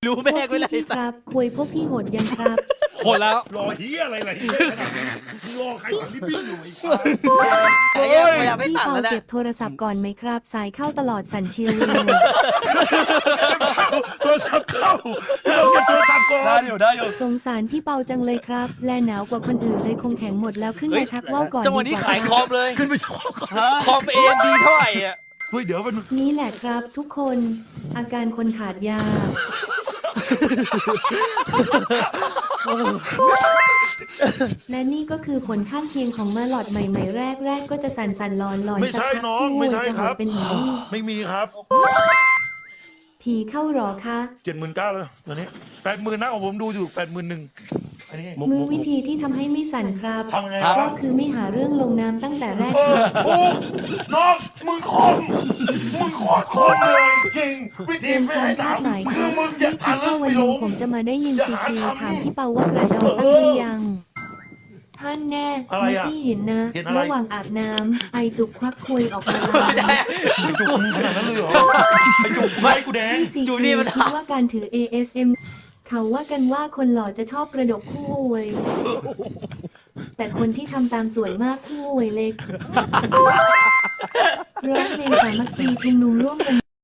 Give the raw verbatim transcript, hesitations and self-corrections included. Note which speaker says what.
Speaker 1: รู้แม่งไว้เลย
Speaker 2: พี่ครับคุยพวกพี่โหดยังครับ
Speaker 3: โหดแล้ว
Speaker 4: รอเฮียอะไรล่ะเฮียรอใครตัดลิบบิ้นอยู่ไอ้ฟ้า
Speaker 1: ไอ้เหี้ยพยายามไม่
Speaker 2: พี่
Speaker 1: ตัด
Speaker 2: เปา
Speaker 1: แล้วนะ
Speaker 2: เก็บโทรศัพท์ก่อนไหมครับ สายเข้าตลอดสันชิว
Speaker 4: โทรศัพท์เข้าเราเก็บโทรศัพท์ก่อ
Speaker 3: ได้
Speaker 4: น
Speaker 3: อยู่ได้อยู่
Speaker 2: สงสารพี่เปาจังเลยครับ แลหนาวกว่าคนอื่นเลยคงแข็งหมดแล้วขึ้น
Speaker 3: เฮ้
Speaker 2: มาย ทักว่าวก่อน
Speaker 3: จังหวะนี้
Speaker 2: ดีก
Speaker 3: ขายคอมเลย
Speaker 4: ขึ้นไปชักว่าวก่อน
Speaker 3: คอมเอ็นดีเท่าไหร่อ่ะ
Speaker 4: เฮ้ยเดี๋ยวมัน
Speaker 2: นี่แหละครับทุกคน อาการคนขาดยา และนี่ก็คือผลข้างเคียงของมาหลอดใหม่ๆ แรกแรกก็จะสั่นสั่นๆลอนลอย
Speaker 4: ไม่ใช่น้องไม่ใช่ครับ
Speaker 2: เป็นหิน
Speaker 4: ไม่มีครับ
Speaker 2: ผีเข้าหรอคะ
Speaker 4: เจ็ดหมื่นเก้าแล้วตอนนี้แปดหมื่นนะของผมดูอยู่แปดหมื่นหนึ่งอันนี้
Speaker 3: มุก
Speaker 2: มือ
Speaker 3: มุก
Speaker 2: วิธีที่ทำให้ไม่สั่นครับ
Speaker 4: ทำไง
Speaker 2: ก็
Speaker 4: ครับ
Speaker 2: คือไม่หาเรื่องลงน้ำตั้งแต่แรก
Speaker 4: เออถูกน้องมึงคมมึงโคตรคมเลยจริงวิ
Speaker 2: เต
Speaker 4: ธี
Speaker 2: รียม
Speaker 4: ไม่
Speaker 2: ความ
Speaker 4: ให้
Speaker 2: คาดหมาย
Speaker 4: น้ำ
Speaker 2: ค
Speaker 4: คือ
Speaker 2: รับ
Speaker 4: มึงอย่า
Speaker 2: ไม่
Speaker 4: ทะ
Speaker 2: คิด
Speaker 4: ลึ่
Speaker 2: ว่าง วัน
Speaker 4: ไป
Speaker 2: ห
Speaker 4: ล
Speaker 2: นึ่ง
Speaker 4: ง
Speaker 2: ผมจะมาได้ยิน
Speaker 4: อย่า
Speaker 2: ซี
Speaker 4: หา
Speaker 2: พี
Speaker 4: ทำ
Speaker 2: ถามพี่เปาว่ากระดองตั้งหรือยังท่านแน่
Speaker 4: อะไร
Speaker 2: เมื่อ
Speaker 4: อะ
Speaker 2: กี้เห็นนะ
Speaker 4: เห็นอะไร
Speaker 2: ระหว่างอาบน้ำไอจุกควักคุยออกมา
Speaker 4: จุกมึงขนาดนั้นเลยเหรอไอ้จุกไม่กูแดง
Speaker 2: พี่ซี
Speaker 1: จู
Speaker 2: พี
Speaker 1: นี่มัน
Speaker 2: คิดว่าการถือ เอ เอส เอ็ม เขาว่ากันว่าคนหล่อจะชอบกระดกคู่อวยแต่คนที่ทำตามส่วนมากคู่อวยเล็กร้องเพลงสามัคคีชุมนุมร่วมกัน